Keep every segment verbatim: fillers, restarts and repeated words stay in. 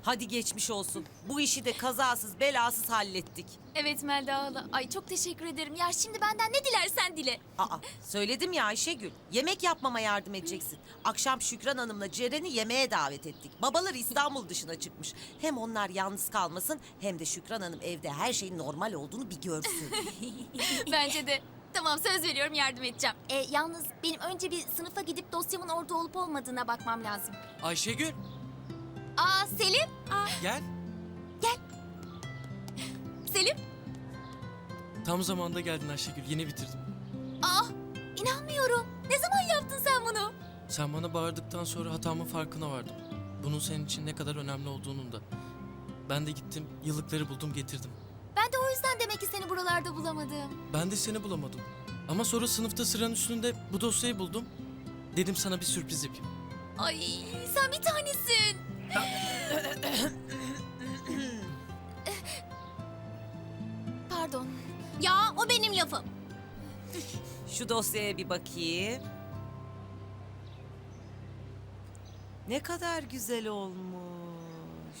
Hadi geçmiş olsun. Bu işi de kazasız belasız hallettik. Evet Melda hala. Ay çok teşekkür ederim. Ya şimdi benden ne dilersen dile. Aa, söyledim ya Ayşegül. Yemek yapmama yardım edeceksin. Akşam Şükran Hanım'la Ceren'i yemeğe davet ettik. Babalar İstanbul dışına çıkmış. Hem onlar yalnız kalmasın hem de Şükran Hanım evde her şeyin normal olduğunu bir görsün. Bence de. Tamam söz veriyorum yardım edeceğim. E, yalnız benim önce bir sınıfa gidip dosyamın orada olup olmadığına bakmam lazım. Ayşegül Aa Selim. Aa, gel. Selim. Tam zamanda geldin Ayşegül. Yeni bitirdim. Aa inanmıyorum. Ne zaman yaptın sen bunu? Sen bana bağırdıktan sonra hatamın farkına vardım. Bunun senin için ne kadar önemli olduğunun da. Ben de gittim yıllıkları buldum getirdim. Ben de o yüzden demek ki seni buralarda bulamadım. Ben de seni bulamadım. Ama sonra sınıfta sıranın üstünde bu dosyayı buldum. Dedim sana bir sürpriz yapayım. Ay sen bir tanesin. Pardon. Ya o benim lafım. Şu dosyaya bir bakayım. Ne kadar güzel olmuş.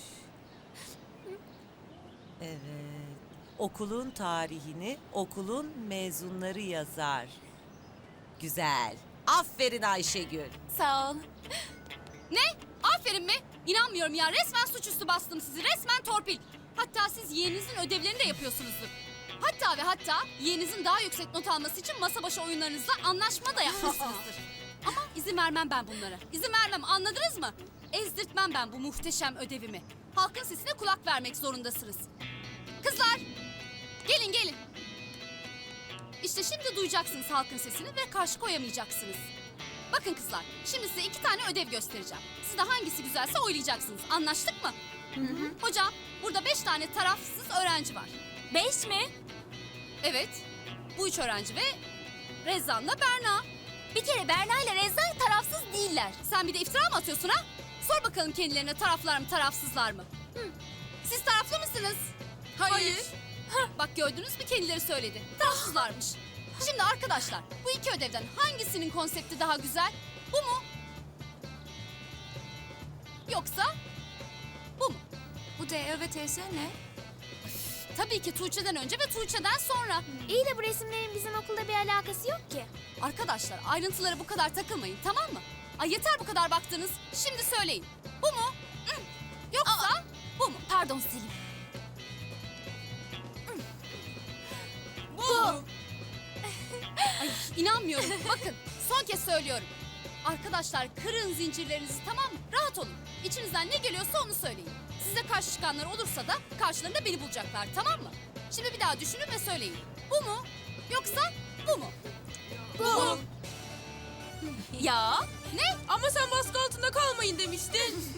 Evet. Okulun tarihini okulun mezunları yazar. Güzel. Aferin Ayşegül. Sağ ol. Ne? Aferin mi? İnanmıyorum ya. Resmen suçüstü bastım sizi. Resmen torpil. Hatta siz yeğeninizin ödevlerini de yapıyorsunuzdur. Hatta ve hatta yeğeninizin daha yüksek not alması için masa başı oyunlarınızla anlaşma da yapmışsınızdır. Ama izin vermem ben bunlara. İzin vermem, anladınız mı? Ezdirtmem ben bu muhteşem ödevimi. Halkın sesine kulak vermek zorundasınız. Kızlar! Gelin gelin. İşte şimdi duyacaksınız halkın sesini ve karşı koyamayacaksınız. Bakın kızlar, şimdi size iki tane ödev göstereceğim. Siz de hangisi güzelse oylayacaksınız. Anlaştık mı? Hı hı. Hocam, burada beş tane tarafsız öğrenci var. Beş mi? Evet, bu üç öğrenci ve Rezan'la Berna. Bir kere Berna ile Reza tarafsız değiller. Sen bir de iftira mı atıyorsun ha? Sor bakalım kendilerine taraflar mı, tarafsızlar mı? Hı. Siz taraflı mısınız? Hayır. Hah, bak gördünüz mü kendileri söyledi. Tarafsızlarmış. Şimdi arkadaşlar, bu iki ödevden hangisinin konsepti daha güzel? Bu mu? Yoksa bu mu? Bu D Ö ve T S ne? Tabii ki Tuğçe'den önce ve Tuğçe'den sonra. İyi de bu resimlerin bizim okulda bir alakası yok ki. Arkadaşlar ayrıntılara bu kadar takılmayın, tamam mı? Ay yeter bu kadar baktınız. Şimdi söyleyin. Bu mu? Hı. Yoksa bu mu? Pardon Selim. Bu. Ay inanmıyorum. Bakın son kez söylüyorum. Arkadaşlar kırın zincirlerinizi, tamam mı? Rahat olun. İçinizden ne geliyorsa onu söyleyin. Size karşı çıkanlar olursa da karşılarında beni bulacaklar, tamam mı? Şimdi bir daha düşünün ve söyleyin. Bu mu? Yoksa bu mu? Bu. Ya. Ne? Ama sen baskı altında kalmayın demiştin.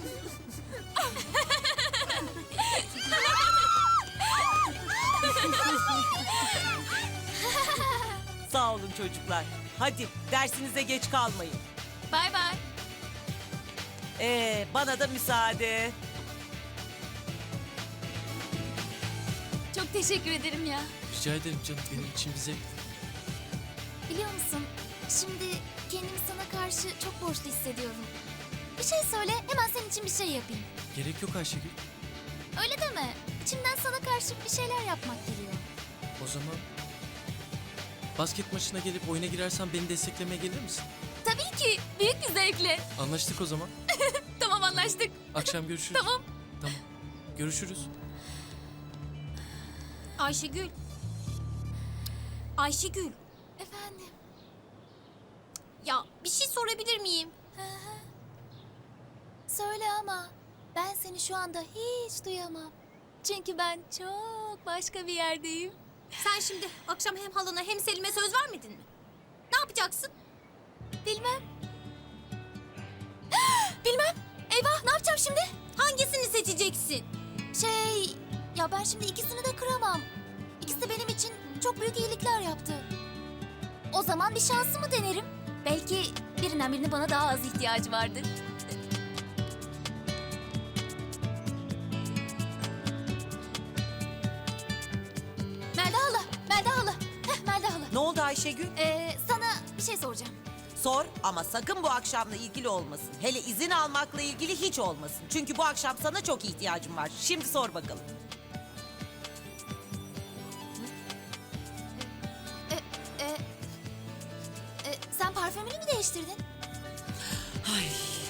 Sağ olun çocuklar. Hadi dersinize geç kalmayın. Bay bay. Ee, bana da müsaade. Çok teşekkür ederim ya. Rica ederim canım, benim için bize. Biliyor musun? Şimdi kendimi sana karşı çok borçlu hissediyorum. Bir şey söyle, hemen senin için bir şey yapayım. Gerek yok Ayşegül. Öyle deme. İçimden sana karşı bir şeyler yapmak geliyor. O zaman basket maçına gelip oyuna girersen beni desteklemeye gelir misin? Tabii ki. Büyük bir zevkle. Anlaştık o zaman. Tamam anlaştık. Akşam görüşürüz. Tamam. Tamam. Görüşürüz. Ayşegül. Ayşegül. Efendim? Ya bir şey sorabilir miyim? Söyle ama ben seni şu anda hiç duyamam. Çünkü ben çok başka bir yerdeyim. Sen şimdi akşam hem halana hem Selim'e söz vermedin mi? Ne yapacaksın? Bilmem. Bilmem. Eyvah ne yapacağım şimdi? Hangisini seçeceksin? Şey ya ben şimdi ikisini de kıramam. İkisi de benim için çok büyük iyilikler yaptı. O zaman bir şansımı denerim. Belki birinden birine bana daha az ihtiyacı vardır. Melda hala, Melda hala. Heh, Melda hala. Ne oldu Ayşegül? Ee, sana bir şey soracağım. Sor ama sakın bu akşamla ilgili olmasın. Hele izin almakla ilgili hiç olmasın. Çünkü bu akşam sana çok ihtiyacım var. Şimdi sor bakalım. E, e, e, sen parfümünü mü değiştirdin? Ay